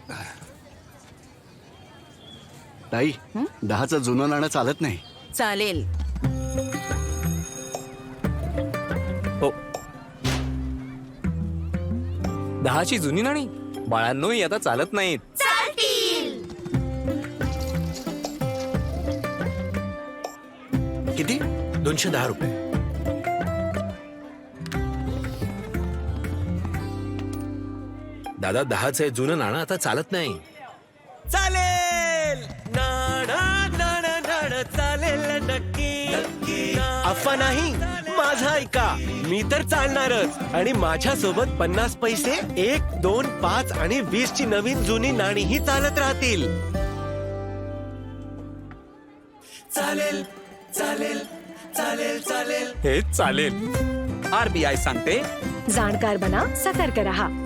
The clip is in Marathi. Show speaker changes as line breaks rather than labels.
ताई, 10चं जुनं नाणं चालत नाही.
चालेल.
हो, 10ची जुनी नाणी बाळांनो ही आता चालत नाहीत.
किती?
210 रुपये. दादा 10चं जुनं नाणं आता चालत नाही.
चालेल नाणं नाणं नाणं चालेल नक्की. अफवा नाही, माझा ऐका. मी तर चालणारच. आणि माझ्या सोबत 50 पैसे 1, 2, 5 आणि 20 ची नवीन जुनी नाणीही चालत राहतील. चालेल चालेल चालेल चालेल.
हे चालेल. RBI सांगते,
जाणकार बना, सतर्क रहा.